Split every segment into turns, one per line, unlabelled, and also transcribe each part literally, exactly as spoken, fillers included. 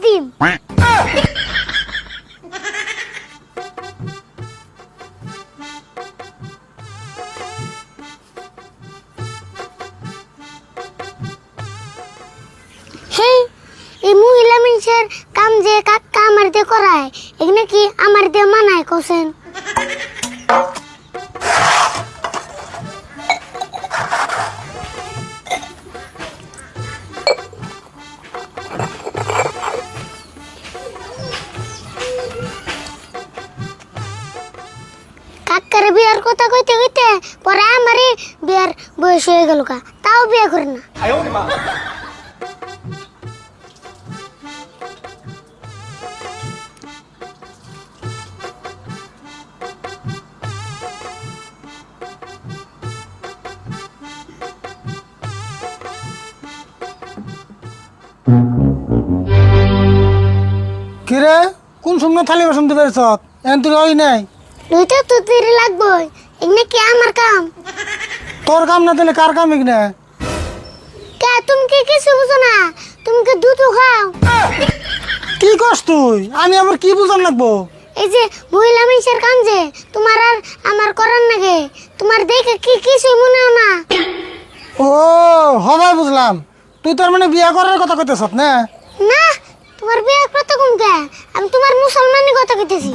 দিম। হেই, এই মহিলা মানুষের কাম যে কাকা আমার দিয়ে করায়, এখানে কি আমার দিয়ে মানায় কোসেন? কাকার বিয়ার কথা কইতে কইতে পরে আমারই বিয়ার বয়স হয়ে গেল কা, তাও বিয়ে করি না।
কিরে কোন সময় থালি বাসন দিবে সত এন তুই ওই নাই
দুইটা তো দেরি লাগবে, এখানে কি আমার কাম?
তোর কাম না দিলে কার কাম এখানে?
কে তুমি কি কিছু বুঝো না? তুমি কি দুধ খাও?
কি করছ তুই? আমি আবার কি বুঝান লাগবো?
এই যে মহিলা মানুষের কাম যে তোমার আর আমার করার নাগে, তোমার দেখে কি কিছু মনে হয় না?
ও হবাই বুঝলাম, তুই তোর মানে বিয়া করার কথা কইতেছ না?
না, তোমার বিয়ে কত কম কে? আমি তোমার মুসলমানি কথা কইতেছি।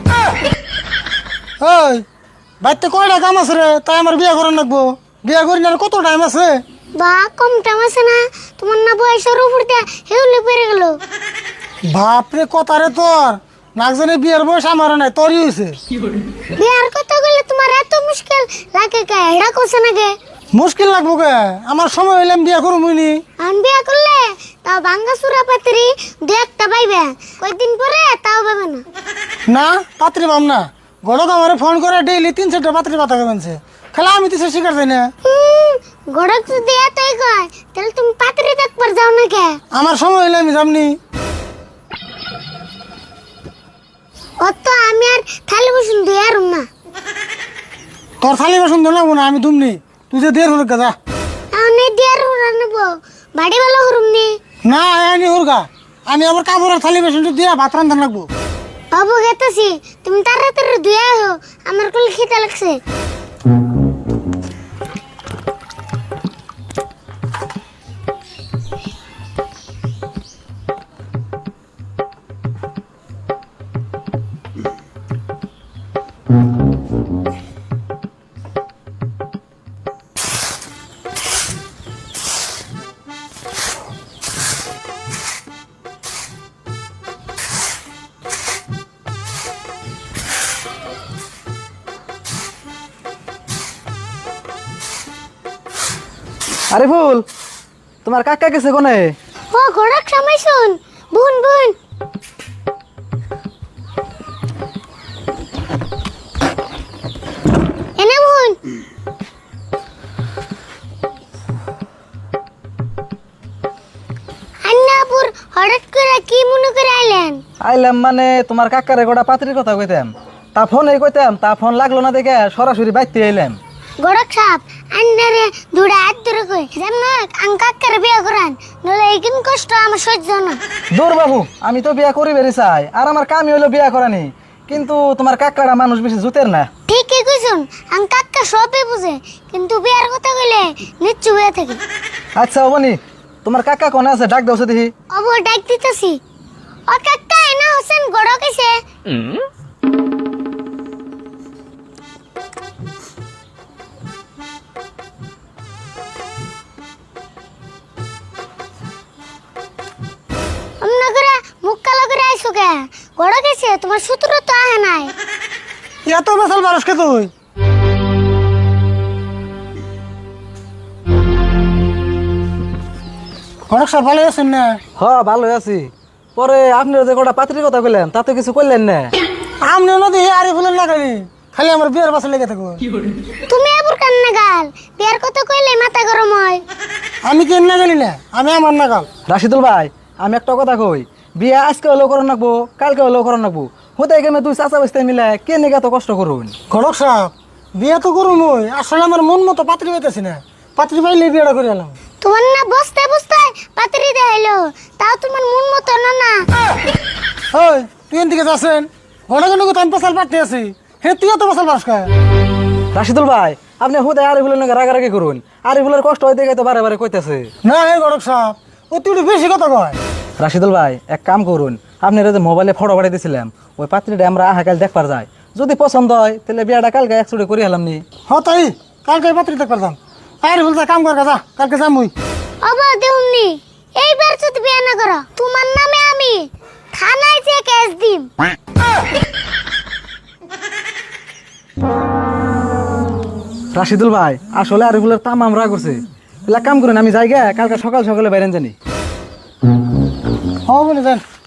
ওই বাড়িতে কয়টা কাম আছে রে, তাই আমার বিয়া করার লাগবো? বিয়া করি না আর কত টাইম আছে?
বা কম টাইম আছে না? তোমার না বয়সের উপর দিয়ে হেউলে পেরে গেল।
বাপরে কথা রে তোর, নাকজনে বিয়ার বয়স আমারও নাই, তোরই হয়েছে।
বিয়ার কথা বলে তোমার এত মুশকিল লাগে কে? এটা কোসে নাগে
মুশকিল লাগবো কে? আমার সময় হইলে আমি বিয়া করবো নি।
আমি বিয়া করলে তাও ভাঙ্গা চূড়া পাত্রী দু একটা পাইবে, কয়েকদিন পরে তাও পাবে না।
না পাত্রী পাম না, গড়ক আমার ফোন করে ডেইলি তিন চারটা পাত্রী পাতা কেমনছে, খেলা আমি তো সে শিকার যাই না।
হুম, গড়ক যদি এতই কয় তাহলে তুমি পাত্রী দেখবার যাও না কে?
আমার সময় হইলে আমি যামনি।
অত আমি আর থালি বসুন দিয়ে আর না।
তোর থালি বাসন ধরে লাগবো না, আমি দুমনি, তুই যে দের হুরগা যা।
আমি দিয়ে আর হরা নেব, বাড়ি বেলা হরুম নি।
না আমি হুরগা, আমি আবার কাপড়ের থালি বাসনটা দিয়া ভাত রান্ধা লাগবো।
বাবু গেতেছি, তুমি তাড়াতাড়ি ধুয়ে আহো, আমার কোল খিদে লাগছে।
আরে ফুল, তোমার কাকা গেছে কোনে?
ও গড়ক সময় শুন, বুন বুন। এনে বুন। আন্নাপুর হঠাৎ করে কি মনে করে আইলেন?
আইলাম মানে তোমার কাকারে গোটা পাত্রীর কথা কইতাম, তা ফোনে কইতাম, তা ফোন লাগলো না দেখে সরাসরি বাইতে আইলাম।
গড়ক সাপ আন্নারে দুড়া হাত ধরে কই যেমন আঙ্কাক্কারে বিয়ে করান, নলে এইকিন কষ্ট আমার সহ্য না।
দূর বাবু, আমি তো বিয়া করি বেরি চাই, আর আমার কামই হইলো বিয়া করানি, কিন্তু তোমার কাকাটা মানুষ বেশি জুতের না।
ঠিকই কইছুন, আঙ্কাক্কা সবই বুঝে, কিন্তু বিয়ার কথা কইলে নিচ্ছু হয়ে থাকে।
আচ্ছা অবনি, তোমার কাকা কোনে আছে? ডাক দাও দেখি।
অব ডাক দিতেছি। ও কাকা এনা হোসেন গড়ক এসে। অমনা করে মুখ কালো করে আইসো কে? গড়ক এসে তোমার সূত্র তো আহে নাই।
এত বেসাল বারসকে তুই? গড়ক সব ভালো আছেন না?
হ ভালো আছি। পরে আপনার যে গোটা পাত্রীর কথা কইলেন তাতে কিছু কইলেন না।
আমনি নদী আরে ফুলেন লাগালি, খালি আমার বিয়ের বাসা লেগে থাকো।
তুমি এবার কান্না গাল, বিয়ার কথা কইলে মাথা গরম হয়।
আমি কেন না গেলি না, আমি আমার নাগাল।
রাশিদুল ভাই, আমি একটা কথা কই, বিয়া আজকে হলেও করার নাকবো, কালকে হলেও করার নাকবো, হতে গেমে তুই চাচা বসতে মিলে কে নিকে এত কষ্ট করুন?
গড়ক সাহেব বিয়ে তো করুন, ওই আসলে আমার মন মতো পাত্রী পাইতেছি না, পাত্রী পাইলে বিয়েটা করে এলাম।
তোমার না বসতে বসতে পাত্রী দেখাইলো, তাও তোমার মন মতো না না।
ওই তুই এদিকে যাচ্ছেন ঘন ঘন তো আমি পেশাল পাঠতে আছি হে তুইও তো পেশাল পাস খায়
রাশিদুল ভাই আপনি হুদায় আরিফুলের নাকি রাগারাগি করুন আরিফুলের কষ্ট হইতে গেছে বারে বারে কইতেছে।
না হে গরক সাহেব ও তুই একটু বেশি কথা কয়।
রাশিদুল ভাই এক কাম করুন আপনি যে মোবাইলে ফটো পাঠিয়ে দিয়েছিলাম ওই পাত্রীটা আমরা আহা কাল দেখবার যাই যদি পছন্দ হয় তাহলে বিয়াটা কালকে একচুটি করে হলাম নি।
হ তাই কালকে পাত্রী দেখবার যাম আর বলতে কাম কর যা কালকে যাম মুই।
অবা দেউমনি এইবার যদি বিয়ে না করো তোমার নামে আমি থানায় যে কেস দিম।
রাশিদুল ভাই আসলে আরিফুলের তাম আমরা করছে তাহলে এক কাম করুন আমি যাই গে কালকে সকাল সকালে বাইরেন জানি।
হ বলে যান।